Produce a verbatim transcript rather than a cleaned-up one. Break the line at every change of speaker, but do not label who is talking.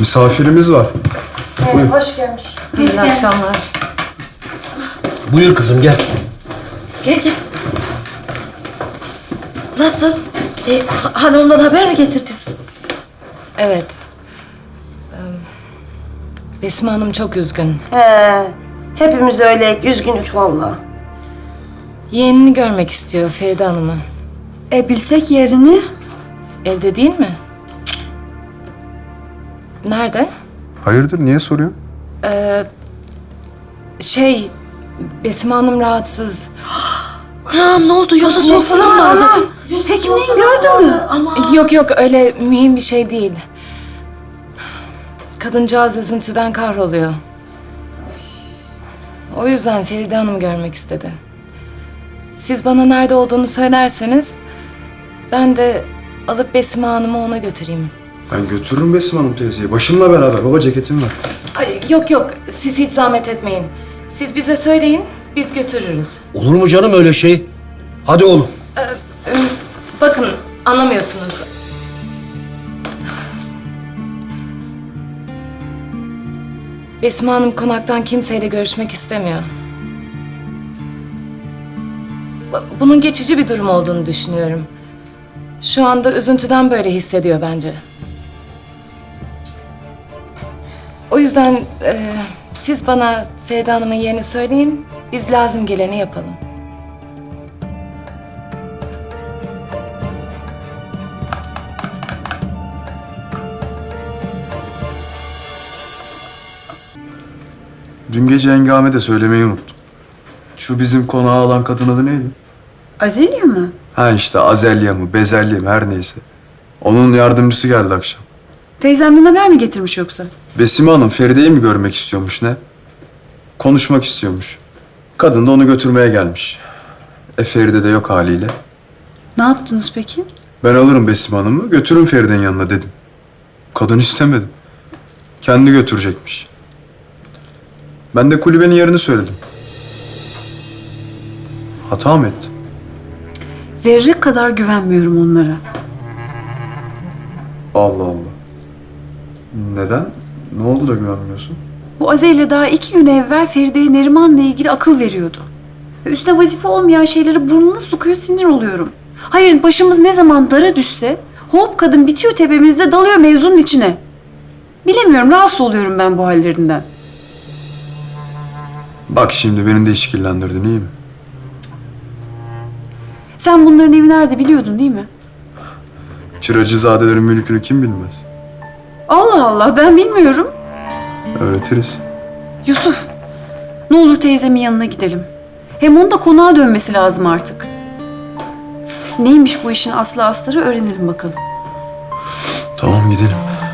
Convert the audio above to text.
Misafirimiz var.
Evet,
Buyur.
hoş gelmiş.
İyi akşamlar.
Buyur kızım gel.
Gel gel. Nasıl? E, ha- hanımdan haber mi getirdin?
Evet. Ee, Besme Hanım çok üzgün.
He, hepimiz öyle üzgünük vallahi.
Yeğenini görmek istiyor Feride Hanım'ı.
E bilsek yerini.
Evde değil mi? Cık. Nerede?
Hayırdır, niye soruyor?
Ee, şey, Besme Hanım rahatsız.
Anam ne oldu? Yoksa soğuk falan mı aldı?
Hekimliğin gördün mü?
Yok yok, öyle mühim bir şey değil. Kadıncağız üzüntüden kahroluyor. O yüzden Feride Hanım'ı görmek istedi. Siz bana nerede olduğunu söylerseniz ben de alıp Besme Hanım'ı ona götüreyim.
Ben götürürüm Besim Hanım teyzeyi. Başımla beraber. Baba ceketim var.
Ay, yok yok, siz hiç zahmet etmeyin. Siz bize söyleyin, biz götürürüz.
Olur mu canım öyle şey? Hadi oğlum.
Bakın, anlamıyorsunuz. Besme Hanım konaktan kimseyle görüşmek istemiyor. Bu- Bunun geçici bir durum olduğunu düşünüyorum. Şu anda üzüntüden böyle hissediyor bence. O yüzden e, siz bana Feride Hanım'ın yerini söyleyin, biz lazım geleni yapalım.
Dün gece Hengame de söylemeyi unuttum. Şu bizim konağı alan kadın adı neydi?
Azelya mı?
Ha işte Azelya mı, Bezelye mi her neyse. Onun yardımcısı geldi akşam.
Teyzemden haber mi getirmiş yoksa?
Besime Hanım Feride'yi mi görmek istiyormuş ne? Konuşmak istiyormuş. Kadın da onu götürmeye gelmiş. E Feride de yok haliyle.
Ne yaptınız peki?
Ben alırım Besime Hanım'ı, götürün Feride'nin yanına dedim. Kadın istemedi. Kendi götürecekmiş. Ben de kulübenin yerini söyledim. Hata mı ettim?
Zerre kadar güvenmiyorum onlara.
Allah Allah. Neden? Ne oldu da güvenmiyorsun?
Bu Azelya daha iki gün evvel Feride'ye Neriman'la ilgili akıl veriyordu. Ve üstüne vazife olmayan şeyleri burnuna sokuyor, sinir oluyorum. Hayır, başımız ne zaman dara düşse hop kadın bitiyor tepemizde, dalıyor mevzunun içine. Bilemiyorum, rahatsız oluyorum ben bu hallerinden.
Bak şimdi beni de işkillendirdin, iyi mi?
Sen bunların evi nerede biliyordun değil mi?
Çıracızadelerin mülkünü kim bilmez?
Allah Allah, ben bilmiyorum.
Öğretiriz.
Yusuf, ne olur teyzemin yanına gidelim. Hem onun da konağa dönmesi lazım artık. Neymiş bu işin aslı astarı öğrenelim bakalım.
Tamam gidelim.